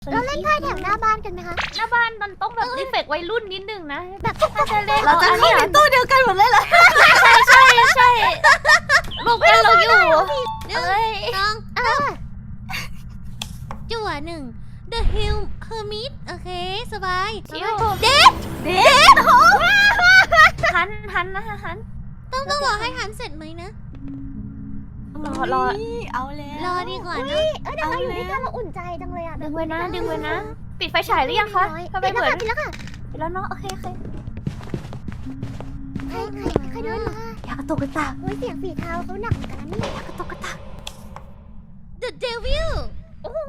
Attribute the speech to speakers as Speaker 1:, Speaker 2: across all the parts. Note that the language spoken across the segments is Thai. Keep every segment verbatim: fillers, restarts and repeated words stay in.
Speaker 1: เราเล่นไพ่แถวหน้าบ้านกันไหมคะ
Speaker 2: หน้าบ้านมันต้องแบบรีเฟกวัยรุ่นนิดนึงนะ
Speaker 1: แบบ
Speaker 2: ถ้าจะเล่น
Speaker 3: เราจะ
Speaker 2: อัน
Speaker 3: เข้า
Speaker 2: นี้
Speaker 3: ในตู้เดียวกันหมดเลยเหรอ
Speaker 2: ใช่ใช่ใช่รวมกันเราอยู่เอ้ย
Speaker 4: น้อง
Speaker 1: เออ
Speaker 4: จั่วหนึ่ง The Hill Hermit โอเค สบาย
Speaker 2: ชิว
Speaker 4: เด็ด
Speaker 3: เด็ด
Speaker 2: หันหันนะหัน
Speaker 4: ต้องต้องรอให้หันเสร็จไหมนะ
Speaker 2: รอรอ
Speaker 3: เอาแล้ว
Speaker 4: รอดีกว่า
Speaker 1: เฮ้
Speaker 4: นะ
Speaker 1: ยเออเดี๋ยวเราอยู่ด้วยกันเราอุ่นใจจังเลยอ่ะ
Speaker 2: ดึงไว้นะดึงไว้นะ ปิดไฟฉายหรือยังคะทำไม
Speaker 1: ปิด
Speaker 2: เห
Speaker 1: แล้ว
Speaker 2: มือน
Speaker 1: ค่ะปิดแล้วค่ะ
Speaker 2: ปิดแล้วเนาะโอเคโอเค
Speaker 1: ใครใครใครเดินมา
Speaker 2: อยากกระตุกกระตาก
Speaker 1: เฮ้ยเสียงฝีเท้าเขาหนักเหมือนกันนะเนี่ย
Speaker 2: อยากกระตุกกระตาก
Speaker 4: The Devil
Speaker 1: โอ้โห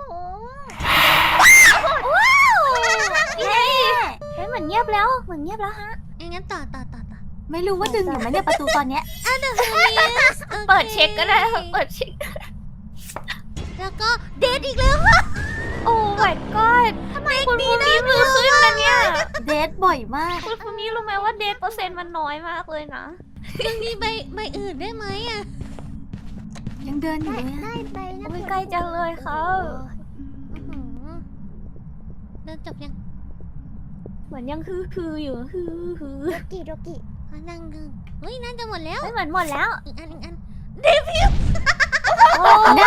Speaker 2: เฮ้ยเฮ้ยเหมือนเงียบแล้วเหมือนเงียบแล้วฮะ
Speaker 4: งั้นต่อต่อต่อต่อ
Speaker 3: ไม่รู้ว่าดึงอยู่ไหมเนี่ยประตูตอนเนี้ย
Speaker 4: อ่ะ The Hermit โอค
Speaker 2: เปิดเช็คก็ได้ค่ะเปิดเช็ค
Speaker 4: แล้วก็เด็ดอีกแล้ว
Speaker 2: โอ้ my god ทำไมคุณภูมิมือขึ้นนะเนี่ย
Speaker 3: เดทบ่อยมาก
Speaker 2: คุณภูมิรู้ไหมว่าเดทเปอร์เซ็นต์มันน้อยมากเลยนะ
Speaker 4: ยังมีใบใบอื่นได้ไหมอ่ะ
Speaker 3: ยังเดินอยู่
Speaker 1: ได้
Speaker 3: เลยอะ
Speaker 1: ได้ไปนะ
Speaker 2: โอ้ยใกล้จังเลยค่ะ
Speaker 4: อื้อหือเดินจบยัง
Speaker 2: เหมือนยังฮือฮืออยู่ฮือฮือ
Speaker 1: โรกิโรกิ
Speaker 4: อ่ะนั่งดูเฮ้ยน่าจะหมดแล้ว
Speaker 2: ไม่เหมือนหมดแล้ว
Speaker 4: อีกอันอีกอัน
Speaker 2: โอ้
Speaker 3: ได้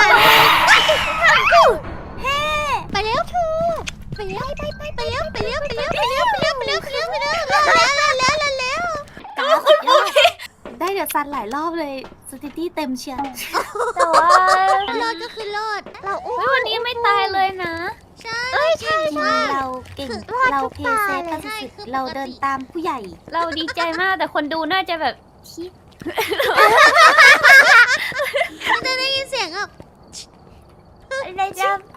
Speaker 4: ไปแล้วไปแล้วไปไปไปแล้วไปแล้วไปแล้วไปแล้วไปแล้วไปแล้วไปแล้วไปแล้วรอดแล้วรอดแล้วรอดแล้ว
Speaker 3: กาสุดยอดได้เดี๋ยวซันหลายรอบเลยสถิติเต็มเชียร์
Speaker 2: แต่ว่าร
Speaker 4: อดก็คือรอด
Speaker 1: เราอุ้ม
Speaker 2: เฮ้ยวันนี้ไม่ตายเลยนะ
Speaker 4: ใช่
Speaker 1: เอ้ยใช่
Speaker 3: ทีม
Speaker 1: ใช่
Speaker 3: เราเก่ง
Speaker 1: รอด
Speaker 3: เรา
Speaker 1: ทุก
Speaker 3: เพ
Speaker 1: ตา
Speaker 3: ย์เซฟ
Speaker 1: เลย
Speaker 3: กันสุดๆเราเดินตามผู้ใหญ่
Speaker 2: เราดีใจมากแต่คนดูน่าจะแบบชิ
Speaker 4: จะได้ยินเสียงอ่ะ
Speaker 2: อะไรจะ